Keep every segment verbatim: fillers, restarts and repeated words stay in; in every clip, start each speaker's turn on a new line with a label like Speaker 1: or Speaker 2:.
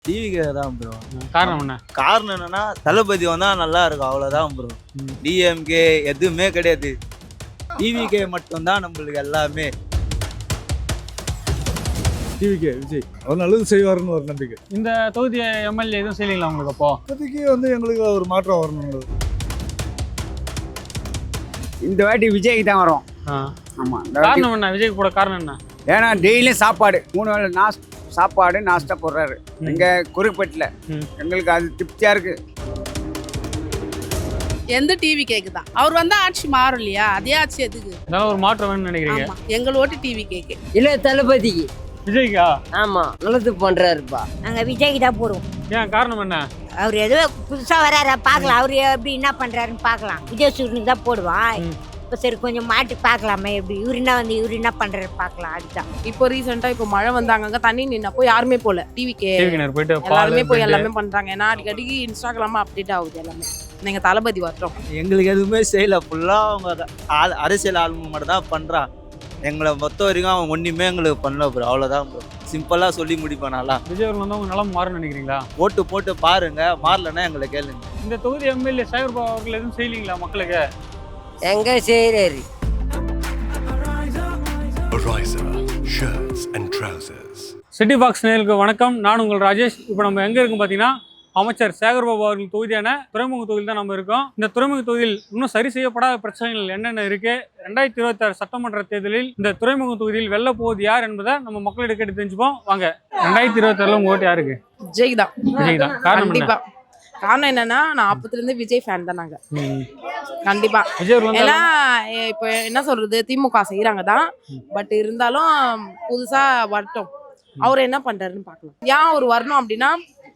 Speaker 1: TVK தான் bro.
Speaker 2: காரணம் என்ன?
Speaker 1: காரணம் என்னன்னா தளபதி வந்தா நல்லா இருக்கும், அவ்வளவுதான் ப்ரோ. டிஎம்கே எதுவுமே கிடையாது, டிவிகே மட்டும்தான் நம்மளுக்கு எல்லாமே.
Speaker 3: டிவிகே விஜய் அவர் நல்லது செய்வாருன்னு ஒரு நம்பிக்கை.
Speaker 2: இந்த தொகுதி எம்எல்ஏ எதுவும் செய்யலீங்களா உங்களுக்கு? அப்போ
Speaker 3: இப்போதைக்கு வந்து எங்களுக்கு ஒரு மாற்றம் வரணும்.
Speaker 4: இந்த வாட்டி விஜய்க்கு தான் வரும். ஆமா,
Speaker 2: காரணம் என்ன? விஜய்க்கு போட காரணம் என்ன?
Speaker 4: ஏன்னா டெய்லியும் சாப்பாடு மூணு வேளை நாஸ் சாப்பாடு நாஸ்டா போடுறாரு எங்க குறுப்பட்டில். எங்களுக்கு அது திருப்தியா இருக்கு.
Speaker 5: எந்த டிவி கேக்கு தான் அவர் வந்தா ஆட்சி மாறும் இல்லையா? அதே ஆட்சி எதுக்கு?
Speaker 2: அதனால ஒரு மாற்றம் வேணும்னு நினைக்கிறீங்க?
Speaker 5: எங்கள் ஓட்டு டிவி கேக்கு
Speaker 6: இல்ல தளபதிக்கு.
Speaker 2: விஜய்க்கா?
Speaker 6: ஆமா, நல்லது பண்றாருப்பா.
Speaker 7: நாங்க விஜய்க்கு தான் போடுவோம்.
Speaker 2: ஏன் காரணம் என்ன?
Speaker 7: அவர் ஏதோ புதுசா வராரா பாக்கலாம், அவரு எப்படி என்ன பண்றாருன்னு பாக்கலாம். விஜய் சூரியனுக்கு தான் போடுவான். இப்போ சரி கொஞ்சம் மாட்டி பார்க்கலாமே, எப்படி இவரு என்ன வந்து இவரு என்ன பண்றாரு பார்க்கலாம். அதுதான்
Speaker 5: இப்போ ரீசெண்டா இப்போ மழை வந்தாங்க, தண்ணி நின்னப்போ யாருமே போல டிவிக்கு
Speaker 2: போயிட்டு
Speaker 5: எல்லாருமே போய் எல்லாமே பண்றாங்க. ஏன்னா அடிக்கடிக்கு இன்ஸ்டாகிராமா அப்டேட் ஆகுது எல்லாமே. நீங்க தளபதி வரட்டும்.
Speaker 1: எங்களுக்கு எதுவுமே செய்யல, ஃபுல்லா அவங்க ஆள் அரசியல் ஆளுங்க மட்டும் தான் பண்றான். எங்களை மொத்த வரைக்கும் அவன் ஒன்றுமே எங்களுக்கு பண்ணல ப்ரோ, அவ்வளோதான் ப்ரோ. சிம்பிளாக சொல்லி முடிப்பேன். நல்லா
Speaker 2: விஜய் அவர்கள் வந்து அவங்க நிலம் மாறும்னு நினைக்கிறீங்களா?
Speaker 1: ஓட்டு போட்டு பாருங்க, மாறலன்னா எங்களை கேளுங்க.
Speaker 2: இந்த தொகுதி எம்எல்ஏ சேகர் பாபு அவர்கள் எதுவும் செய்யலீங்களா மக்களுக்கு?
Speaker 6: எங்க செய்யறாரு?
Speaker 2: சிட்டி பாக்ஸ் நேயர்களுக்கு வணக்கம், நான் உங்கள் ராஜேஷ். இப்போ நம்ம எங்கே இருக்கோம் பார்த்தீங்கன்னா, அமைச்சர் சேகர் பாபு அவர்கள் தொகுதியான துறைமுக தொகுதியில் தான் நம்ம இருக்கோம். இந்த துறைமுக தொகுதியில் இன்னும் சரி செய்யப்படாத பிரச்சனைகள் என்னென்ன இருக்கு, ரெண்டாயிரத்தி இருபத்தி ஆறு சட்டமன்ற தேர்தலில் இந்த துறைமுக தொகுதியில் வெல்ல போவது யார் என்பதை நம்ம மக்களிடம் கேட்டு தெரிஞ்சுப்போம் வாங்க. ரெண்டாயிரத்தி இருபத்தி ஆறுல உங்க ஓட்டு யாருக்கு?
Speaker 5: விஜய் தான்.
Speaker 2: விஜய் தான். காரணம்
Speaker 5: கண்டிப்பா. காரணம் என்னன்னா, நான் அப்பத்துல இருந்து விஜய் ஃபேன் தான் நாங்க. கண்டிப்பா
Speaker 2: விஜய்
Speaker 5: ஏன்னா இப்போ என்ன சொல்றது, திமுக செய்யறாங்க தான். பட் இருந்தாலும் புதுசா வரட்டும், அவர் என்ன பண்றாருன்னு பாக்கலாம். ஏன் அவர் வரணும் அப்படின்னா,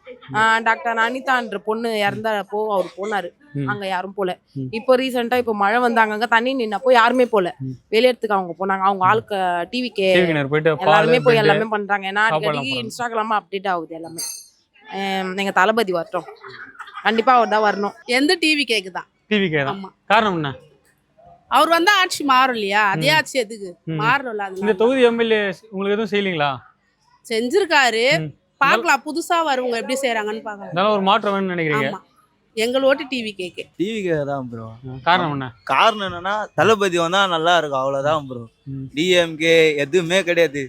Speaker 5: டாக்டர் அனிதான்ற பொண்ணு இறந்தப்போ அவர் போனாரு, அங்க யாரும் போல. இப்போ ரீசெண்டா இப்போ மழை வந்தாங்க, தண்ணி நின்னப்போ யாருமே போல. வெளியேறதுக்கு அவங்க போனாங்க. அவங்க ஆளுக்கு டிவிக்கு எல்லாருமே போய் எல்லாமே பண்றாங்க. ஏன்னா அடிக்கடிக்கு இன்ஸ்டாகிராமா அப்டேட் ஆகுது எல்லாமே. எங்க தளபதி வரட்டும், கண்டிப்பா அவர் தான் வரணும். எந்த டிவி கேக்கு தான்.
Speaker 2: டிவிக்கே தான். காரணம் என்ன?
Speaker 5: அவர் வந்தா ஆட்சி மாறும் இல்லையா? அதே ஆட்சி எதுக்கு மாறல?
Speaker 2: இந்த தொகுதி எம்எல்ஏ உங்களுக்கு எதுவும் செய்யலீங்களா?
Speaker 5: செஞ்சிருக்காரு, பாக்கலாம். புதுசா வருவங்க எப்படி செய்யறாங்கன்னு பாக்கலாம்.
Speaker 2: அதனால ஒரு மாற்றம் வேணும்னு நினைக்கிறீங்க?
Speaker 5: எங்கள் ஓட்டு டிவி கேக்கு.
Speaker 1: டிவிகே தான் ப்ரோ.
Speaker 2: காரணம் என்ன?
Speaker 1: காரணம் என்னன்னா தளபதி வந்தா நல்லா இருக்கும், அவ்வளவுதான் ப்ரோ. டிஎம்கே எதுவுமே கிடையாது,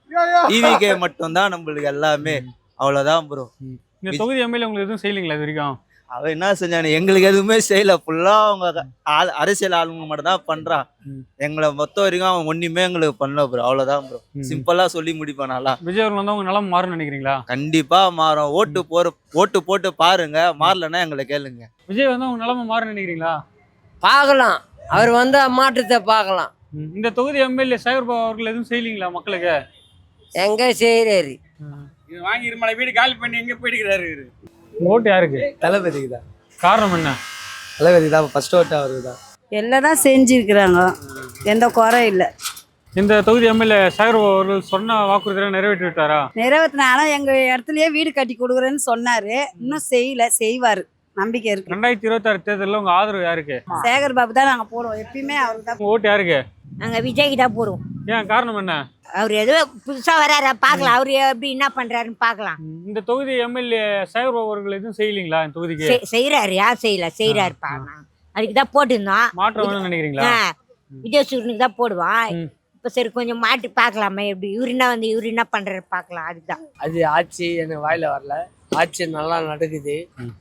Speaker 1: டிவிகே மட்டும்தான் நம்மளுக்கு எல்லாமே, அவ்வளவுதான் ப்ரோ.
Speaker 2: இந்த தொகுதி எம்எல்ஏ உங்களுக்கு எதுவும் செய்யலீங்களா இது வரைக்கும்?
Speaker 1: அவன் என்ன செஞ்சானு எங்களுக்கு எதுவுமே செய்யல, ஃபுல்லா அவங்க ஆள் அரசியல் ஆளுங்க மட்டும் தான் பண்றான். எங்களை மொத்த வரைக்கும் அவன் ஒண்ணுமே எங்களுக்கு பண்ணல ப்ரோ, அவ்வளவுதான் ப்ரோ. சிம்பிளா சொல்லி முடிப்பேன். நல்லா
Speaker 2: விஜய் அவர்கள் வந்து அவங்க நிலம் மாறும்னு நினைக்கிறீங்களா?
Speaker 1: கண்டிப்பா மாறும். ஓட்டு போற ஓட்டு போட்டு பாருங்க, மாறலன்னா எங்களை கேளுங்க.
Speaker 2: விஜய் வந்து அவங்க நிலைமை மாறும்னு நினைக்கிறீங்களா?
Speaker 6: பார்க்கலாம், அவர் வந்த மாற்றத்தை பார்க்கலாம்.
Speaker 2: இந்த தொகுதி எம்எல்ஏ சேகர் பாபு அவர்கள் எதுவும் செய்யலீங்களா மக்களுக்கு?
Speaker 6: எங்க செய்யறாரு?
Speaker 4: வாங்கி இருமலை வீடு காலி பண்ணி எங்க போயிடுறாரு.
Speaker 2: ஓட்டு யாருக்கு?
Speaker 8: தளபதிக்கு தான்.
Speaker 2: காரணம் என்ன?
Speaker 8: தளபதி தான் ஃபர்ஸ்ட் ஓட்டு அவருக்கு தான்.
Speaker 9: எல்லாம் தான் செஞ்சிருக்கிறாங்க, எந்த குறை இல்லை.
Speaker 2: இந்த தொகுதி எம்எல்ஏ சேகர் பாபு அவர்கள் சொன்ன வாக்குறுதியை நிறைவேற்றி விட்டாரா?
Speaker 9: நிறைவேற்றினாலும் எங்க இடத்துலயே வீடு கட்டி கொடுக்குறேன்னு சொன்னாரு, இன்னும் செய்யல. செய்வாரு, நம்பிக்கை இருக்கு.
Speaker 2: ரெண்டாயிரத்தி இருபத்தி ஆறு தேர்தலில் உங்க ஆதரவு யாருக்கு?
Speaker 9: சேகர் பாபு தான் நாங்க போடுவோம், எப்பயுமே அவருக்கு தான்.
Speaker 2: ஓட்டு யாருக்கு?
Speaker 7: நாங்க விஜய்க்கு தான் போடுவோம்.
Speaker 2: ஏன் காரணம் என்ன?
Speaker 7: அவர் ஏதோ புதுசா வராரா பாக்கலாம், அவரு எப்படி என்ன பண்றாருன்னு பாக்கலாம்.
Speaker 2: இந்த தொகுதி எம்எல்ஏ சேகர் பாபு அவர்கள் எதுவும் செய்யலீங்களா இந்த தொகுதிக்கு?
Speaker 7: செய்யறாரு, யார் செய்யல, செய்யறாருப்பா. அதுக்கு தான் போட்டுருந்தோம்.
Speaker 2: மாற்றம் வேணும்னு நினைக்கிறீங்களா?
Speaker 7: விஜய் சூரியனுக்கு தான் போடுவான். இப்போ சரி கொஞ்சம் மாட்டி பார்க்கலாமே, எப்படி இவரு என்ன வந்து இவரு என்ன பண்றாரு பாக்கலாம். அதுதான்.
Speaker 6: அது ஆட்சி எனக்கு வாயில வரல. ஆட்சி நல்லா நடக்குது,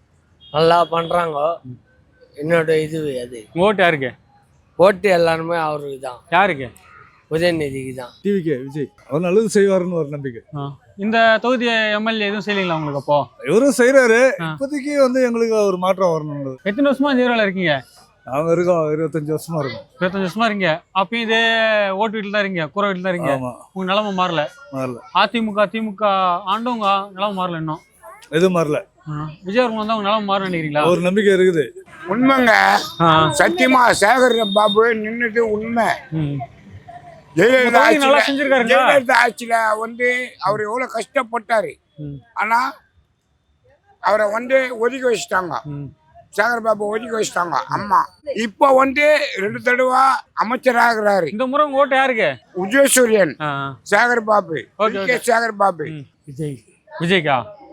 Speaker 6: நல்லா பண்றாங்க. என்னோட இது அது.
Speaker 2: ஓட்டு யாருக்கு?
Speaker 6: ஓட்டு எல்லாருமே அவருக்கு தான்.
Speaker 2: யாருக்கு?
Speaker 6: உதயநிதிக்கு தான்.
Speaker 3: டிவிகே விஜய் அவர் நல்லது செய்வாருன்னு ஒரு நம்பிக்கை.
Speaker 2: இந்த தொகுதி எம்எல்ஏ எதுவும் செய்யலீங்களா உங்களுக்கு? அப்போ
Speaker 3: இவரும் செய்யறாரு. இப்போதைக்கு வந்து எங்களுக்கு ஒரு மாற்றம் வரணும்.
Speaker 2: எத்தனை வருஷமா ஜீரோல இருக்கீங்க?
Speaker 3: அவங்க இருக்கோம், இருபத்தஞ்சு வருஷமா இருக்கும்.
Speaker 2: இருபத்தஞ்சு வருஷமா இருக்கீங்க. அப்பயும் இதே ஓட்டு வீட்டுல தான் இருக்கீங்க, கூரை வீட்டுல தான் இருக்கீங்க. உங்க நிலைமை மாறல?
Speaker 3: மாறல.
Speaker 2: அதிமுக திமுக ஆண்டும் உங்க நிலைமை மாறல இன்னும்?
Speaker 3: எதுவும் மாறல.
Speaker 2: விஜய் அவர்கள் வந்து அவங்க நிலைமை மாறும் நினைக்கிறீங்களா?
Speaker 3: ஒரு நம்பிக்கை இருக்குது.
Speaker 4: உண்மைங்க, சத்தியமா சேகர் பாபு நின்னுட்டு உண்மை. ஜெயலலிதா ஆட்சியில வந்து அவர் எவ்வளவு கஷ்டப்பட்டாரு, ஆனா அவரை வந்து ஒதுக்கி வச்சுட்டாங்க. சேகர் பாபு ஒதுக்கி வச்சுட்டாங்க அம்மா. இப்ப வந்து ரெண்டு தடவை அமைச்சராகிறாரு.
Speaker 2: இந்த முறை ஓட்டு யாருக்கு?
Speaker 4: உதயசூரியன், சேகர் பாபு, சேகர் பாபு.
Speaker 2: விஜய். விஜய்க்கா?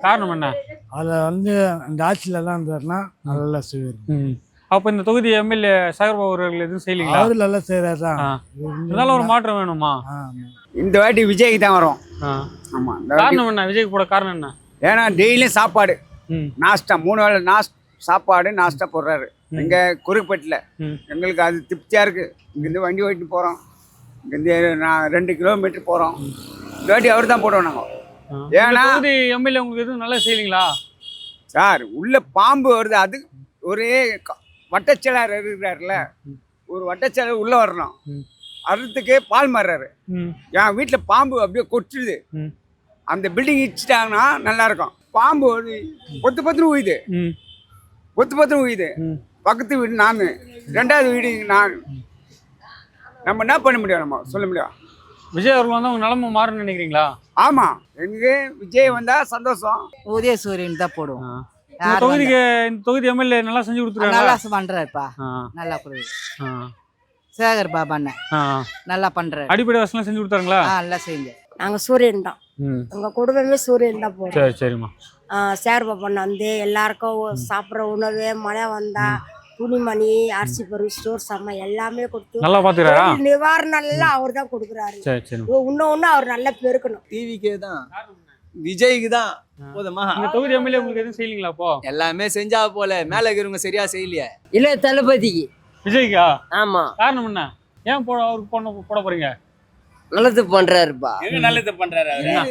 Speaker 2: காரணம் என்ன?
Speaker 3: அதை வந்து அந்த ஆட்சியில தான் இருந்தாருன்னா நல்லா செய்வார்.
Speaker 2: ம். அப்ப இந்த தொகுதி எம்எல்ஏ சேகர்பாபு அவர்கள் எதுவும் செய்யலீங்களா?
Speaker 3: அவரு நல்லா செய்யறாரு தான்.
Speaker 2: ஆ. இருந்தாலும் ஒரு மாற்றம் வேணுமா?
Speaker 4: இந்த வாட்டி விஜய்க்கு தான் வரும்.
Speaker 2: ஆ.
Speaker 4: ஆமா, இந்த வாட்டி.
Speaker 2: காரணம் என்ன? விஜய்க்கு போட காரணம் என்ன?
Speaker 4: ஏன்னா டெய்லியும் சாப்பாடு
Speaker 2: ம்.
Speaker 4: நாஸ்டா மூணு வேளை நாஸ் சாப்பாடு நாஸ்டா போடுறாரு எங்க குறுக்கப்பட்டில்.
Speaker 2: ம்.
Speaker 4: எங்களுக்கு அது திருப்தியா இருக்கு. இங்கேருந்து வண்டி ஓட்டிட்டு போறோம், இங்கேருந்து நான் ரெண்டு கிலோமீட்டர் போறோம். இந்த வாட்டி அவர் தான் போடுவோம் நாங்கள்.
Speaker 2: ஆ.
Speaker 4: ஏன்னா
Speaker 2: இந்த தொகுதி எம்எல்ஏ உங்களுக்கு எதுவும் நல்லா செய்யலீங்களா?
Speaker 4: சார் உள்ள பாம்பு வருது, அது ஒரே க- வட்டச்செயலர் இருக்கிறாருல, ஒரு வட்டச்செயலர் உள்ள வரணும்.
Speaker 2: ம்.
Speaker 4: அறுத்துக்கே பால் மாறுறாரு.
Speaker 2: ம்.
Speaker 4: என் வீட்டில் பாம்பு அப்படியே கொட்டுது.
Speaker 2: ம்.
Speaker 4: அந்த பில்டிங் இடிச்சிட்டாங்கன்னா நல்லா இருக்கும். பாம்பு ஒரு பொத்து பத்துன்னு உயுது,
Speaker 2: ம்.
Speaker 4: பொத்து பத்துன்னு உயுது.
Speaker 2: ம்.
Speaker 4: பக்கத்து வீடு நான், ரெண்டாவது வீடு நான். நம்ம என்ன பண்ண முடியும்? நம்ம சொல்ல முடியும்?
Speaker 2: விஜய் அவர்கள் வந்து உங்க நிலைமை மாறும்னு நினைக்கிறீங்களா?
Speaker 4: ஆமா, எனக்கு விஜய் வந்தா சந்தோஷம்.
Speaker 10: உதயசூரியன் தான் போடுவோம்.
Speaker 2: ஆ. இந்த தொகுதிக்கு இந்த தொகுதி எம்எல்ஏ நல்லா செஞ்சு கொடுத்துருக்காங்க.
Speaker 10: நல்லா பண்றாருப்பா,
Speaker 2: ஆ.
Speaker 10: நல்லா கொடுக்குது.
Speaker 2: ஆ.
Speaker 10: சேகர் பாபா அண்ணன்
Speaker 2: ஆ.
Speaker 10: நல்லா பண்றாரு.
Speaker 2: அடிப்படை வசதிலாம் செஞ்சு கொடுத்தாருங்களா?
Speaker 10: ஆ, நல்லா செஞ்சு.
Speaker 11: நாங்க சூரியன் தான்,
Speaker 2: ம்.
Speaker 11: எங்க குடும்பமே சூரியன் தான் போடுவோம்.
Speaker 2: சரி சரிம்மா.
Speaker 11: சேர்பா பண்ண வந்து எல்லாருக்கும் சாப்பிட்ற உணவு, மழை வந்தா துணிமணி, அரிசி பருப்பு, ஸ்டோர் சாமான் எல்லாமே கொடுத்து
Speaker 2: நல்லா பாத்துக்கிறாரா?
Speaker 11: தொழில் நிவாரணம் எல்லாம் அவர் தான் கொடுக்குறாரு.
Speaker 2: சரி சரி.
Speaker 11: இன்னும் ஒண்ணு அவர் நல்லா பெருக்கணும்.
Speaker 1: டிவிக்கே தான், விஜய்க்கு தான் போதுமா?
Speaker 2: இந்த தொகுதி எம்எல்ஏ உங்களுக்கு எதுவும் செய்யலீங்களா? அப்போ
Speaker 8: எல்லாமே செஞ்சா போல மேல இருக்கிறவங்க சரியா செய்யலையே.
Speaker 10: இல்ல தளபதிக்கு.
Speaker 2: விஜய்க்கா?
Speaker 10: ஆமா,
Speaker 2: காரணம் என்ன? ஏன் போட அவருக்கு போட போட போறீங்க?
Speaker 10: நல்லது பண்றாருப்பா.
Speaker 4: நல்லது பண்றாரு.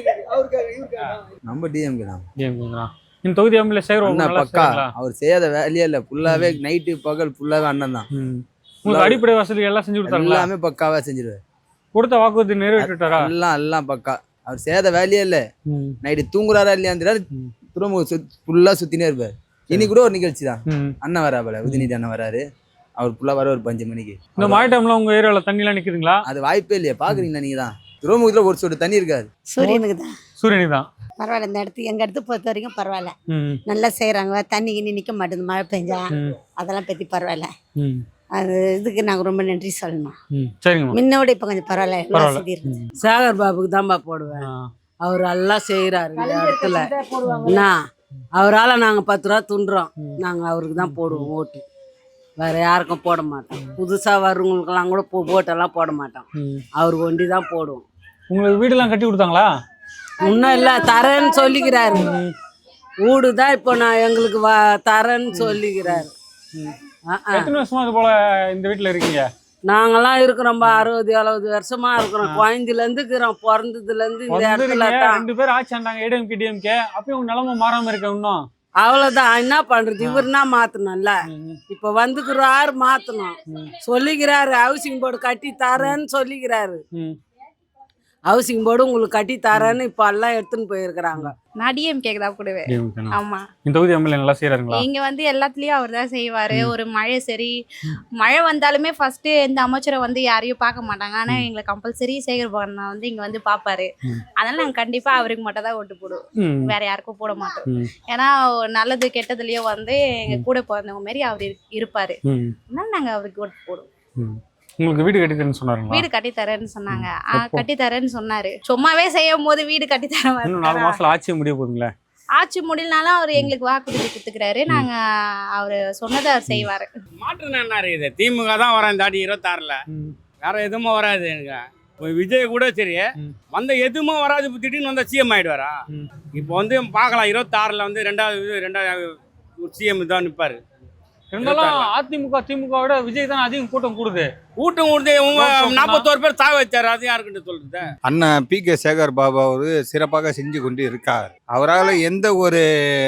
Speaker 8: நம்ம டிஎம்கே தான்.
Speaker 2: ஏங்க இந்த தொகுதி எம்எல்ஏ சேகர்பாபு
Speaker 8: அண்ணா
Speaker 2: நல்லா
Speaker 8: பக்கா,
Speaker 2: செய்றாங்களா?
Speaker 8: அவர் செய்யாத வேலையே இல்ல. ஃபுல்லாவே நைட்டு பகல் ஃபுல்லாவே அண்ணன் தான்.
Speaker 2: ம். உங்களுக்கு அடிப்படை வசதி எல்லாம் செஞ்சு கொடுத்தாங்களா?
Speaker 8: எல்லாமே பக்காவா செஞ்சிருவாரு.
Speaker 2: கொடுத்த வாக்குறுதி நிறைவேற்றிட்டாரா?
Speaker 8: எல்லாம் எல்லாம் பக்கா. அவர் செய்யாத வேலையே இல்ல.
Speaker 2: ம்.
Speaker 8: நைட்டு தூங்குறாரா இல்லையா துறைமுக ஃபுல்லா சுத்தினே இருப்பாரு. இன்னைக்கு கூட ஒரு நிகழ்ச்சி தான்.
Speaker 2: ம்.
Speaker 8: அண்ணன் வரா போல, உதயநிதி அண்ணன் வராரு. அவர் ஃபுல்லா வர ஒரு பஞ்சு மணிக்கு.
Speaker 2: இந்த மழை டைம்ல உங்க ஏரியால தண்ணி எல்லாம் நிக்குதுங்களா?
Speaker 8: அது வாய்ப்பே இல்லையா? பாக்குறீங்களா நீங்க தான்? துறைமுகத்துல ஒரு சொட்டு தண்ணி இருக்காது.
Speaker 9: சூரியனுக்கு தான்
Speaker 2: சூரியனுக்கு தான்.
Speaker 9: பரவாயில்ல. இந்த இடத்து எங்க இடத்து பொறுத்த வரைக்கும் பரவாயில்ல,
Speaker 2: ம்.
Speaker 9: நல்லா செய்யறாங்க. தண்ணி கிண்ணி நிக்க மாட்டேங்குது, மழை பெஞ்சா
Speaker 2: ம்.
Speaker 9: அதெல்லாம் பத்தி பரவாயில்ல.
Speaker 2: ம்.
Speaker 9: அது இதுக்கு நாங்க ரொம்ப நன்றி சொல்லணும்.
Speaker 2: ம். சரிங்கம்மா.
Speaker 9: முன்னோட இப்ப கொஞ்சம் பரவாயில்ல, எல்லா
Speaker 2: பரவாயில்ல.
Speaker 9: வசதி இருக்கு.
Speaker 10: சேகர் பாபுக்கு தான்ப்பா போடுவேன்.
Speaker 2: ஆ.
Speaker 10: அவர் எல்லாம் செய்யறாரு இந்த இடத்துல. என்ன அவரால நாங்க பத்து ரூபா துண்டுறோம், நாங்க அவருக்கு தான் போடுவோம் ஓட்டு. வேற யாருக்கும் போட மாட்டோம். புதுசா வர்றவங்களுக்கெல்லாம் கூட போ- ஓட்டெல்லாம் போட மாட்டோம்.
Speaker 2: ம்.
Speaker 10: அவருக்கு ஒண்டி தான் போடுவோம்.
Speaker 2: உங்களுக்கு வீடெல்லாம் கட்டி கொடுத்தாங்களா?
Speaker 10: இன்னும் இல்ல, தரேன்னு சொல்லிக்கிறாரு. வீடு தான் இப்போ நான் எங்களுக்கு வ தரேன்னு சொல்லிக்கிறாரு. ஆ, ஆ.
Speaker 2: எத்தனை வருஷமா இது போல இந்த வீட்டுல இருக்கீங்க?
Speaker 10: நாங்கெல்லாம் இருக்கிறோம்பா அறுபது எழுபது வருஷமா இருக்கிறோம். குழந்தைல இருந்து இருக்கிறோம், பிறந்ததுல இருந்து இந்த இடத்துல
Speaker 2: வந்துருக்கீங்க,
Speaker 10: தான்.
Speaker 2: ரெண்டு பேரும் ஆட்சி ஆண்டாங்க, ஏடிஎம்கே டிஎம்கே. அப்பயும் உங்க நிலைமை மாறாம இருக்க இன்னும்.
Speaker 10: அவ்வளவுதான். என்ன பண்றது? இவருனா மாத்தணும்ல. இப்ப வந்துக்கிறாரு, மாத்தணும். சொல்லிக்கிறாரு ஹவுசிங் போர்டு கட்டி தரேன்னு சொல்லிக்கிறாரு.
Speaker 2: ம்.
Speaker 10: ஹவுசிங் போர்டு உங்களுக்கு கட்டி தரேன்னு இப்ப எல்லாம் எடுத்துன்னு போயிருக்கிறாங்க.
Speaker 12: நான் டிஎம்கே தான் போடுவேன்.
Speaker 2: டிஎம்கே னா?
Speaker 12: ஆமா,
Speaker 2: இந்த தொகுதி எம்எல்ஏ நல்லா செய்யறாங்களா?
Speaker 12: இங்க வந்து எல்லாத்துலயும் அவர் தான் செய்வாரு. ஒரு மழை சரி, மழை வந்தாலுமே ஃபர்ஸ்ட் இந்த அமைச்சரை வந்து யாரையும் பார்க்க மாட்டாங்க. ஆனா எங்களை கம்பல்சரி சேகர் பாபா வந்து இங்க வந்து பாப்பாரு. அதனால நாங்க கண்டிப்பா அவருக்கு மட்டும் தான் ஓட்டு போடுவோம்,
Speaker 2: ம்.
Speaker 12: வேற யாருக்கும் போட மாட்டோம்.
Speaker 2: ம்.
Speaker 12: ஏன்னா நல்லது கெட்டதுலயும் வந்து எங்க கூட பிறந்தவங்க மாதிரி அவர் இரு- இருப்பாரு.
Speaker 2: ம்.
Speaker 12: அதனால நாங்க அவருக்கு ஓட்டு போடுவோம்.
Speaker 2: ம். உங்களுக்கு வீடு கட்டி தரேன்னு சொன்னாருங்களா?
Speaker 12: வீடு கட்டி தரேன்னு சொன்னாங்க. ஆ,
Speaker 2: எப்போ?
Speaker 12: கட்டி தரேன்னு சொன்னாரு. சும்மாவே செய்யும் போது வீடு கட்டி தர
Speaker 2: இன்னும் நாலு
Speaker 12: மாதிரி
Speaker 2: மாசத்துல ஆட்சி முடிய போகுதுங்களே.
Speaker 12: ஆட்சி முடியலனாலும் அவர் எங்களுக்கு வாக்குறுதி கொடுத்துக்கிறாரு. நாங்க அவரு சொன்னதை அவர் செய்வாரு.
Speaker 13: மாற்றம் என்ன இருக்குது? திமுக தான் வரேன் இந்த தாட்டி இருபத்தாறுல. வேற எதுவுமே வராது எனக்கு. இப்போ விஜய் கூட சரி வந்த எதுவுமே வராது. இப்போ திடீர்னு வந்தால் சிஎம் ஆயிடுவாரா? இப்போ வந்து பார்க்கலாம், இருபத்தாறுல வந்து ரெண்டாவது ரெண்டாவது சிஎம் தான் நிற்பாரு.
Speaker 2: இருந்தாலும் அதிமுக திமுக விட விஜய் தான் அதிகம் கூட்டம் கூடுது.
Speaker 13: கூட்டம் கூடுது. உங்க நாற்பத்தோரு பேர் தாவ வச்சாரு, அது யாருக்கிட்ட சொல்றது?
Speaker 14: அண்ணன் பி கே சேகர் பாபு அவர் சிறப்பாக செஞ்சு கொண்டு இருக்கார். அவரால் எந்த ஒரு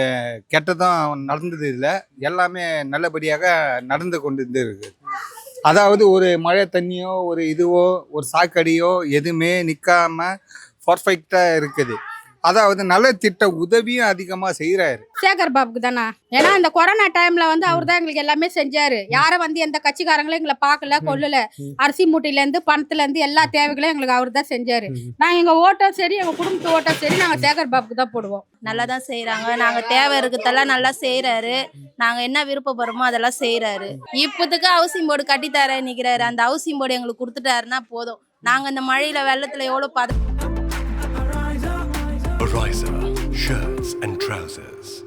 Speaker 14: கெட்டதும் நடந்தது இல்லை, எல்லாமே நல்லபடியாக நடந்து கொண்டு இருக்கு. அதாவது ஒரு மழை தண்ணியோ ஒரு இதுவோ ஒரு சாக்கடியோ எதுவுமே நிற்காம பர்ஃபெக்டாக இருக்குது. அதாவது நல்ல திட்ட உதவியும் அதிகமா செய்யறாரு
Speaker 15: சேகர் பாபுக்கு தானே. ஏன்னா இந்த கொரோனா டைம்ல வந்து அவர் தான் எங்களுக்கு எல்லாமே செஞ்சாரு. யாரும் வந்து எந்த கட்சிக்காரங்களும் எங்களை பார்க்கல கொள்ளல. அரிசி மூட்டையில இருந்து பணத்துல இருந்து எல்லா தேவைகளையும் எங்களுக்கு அவர் தான் செஞ்சாரு. நாங்க எங்க ஓட்டம் சரி, எங்க குடும்பத்து ஓட்டம் சரி, நாங்க சேகர் பாபுக்கு தான் போடுவோம்.
Speaker 5: நல்லா தான் செய்யறாங்க. நாங்க தேவை இருக்கிறதெல்லாம் நல்லா செய்யறாரு. நாங்க என்ன விருப்பப்படுறோமோ அதெல்லாம் செய்யறாரு. இப்போதுக்கு ஹவுசிங் போர்டு கட்டி தர நிக்கிறாரு. அந்த ஹவுசிங் போர்டு எங்களுக்கு கொடுத்துட்டாருன்னா போதும். நாங்க இந்த மழையில வெள்ளத்துல எவ்வளவு பாது
Speaker 16: Ariza shirts and trousers.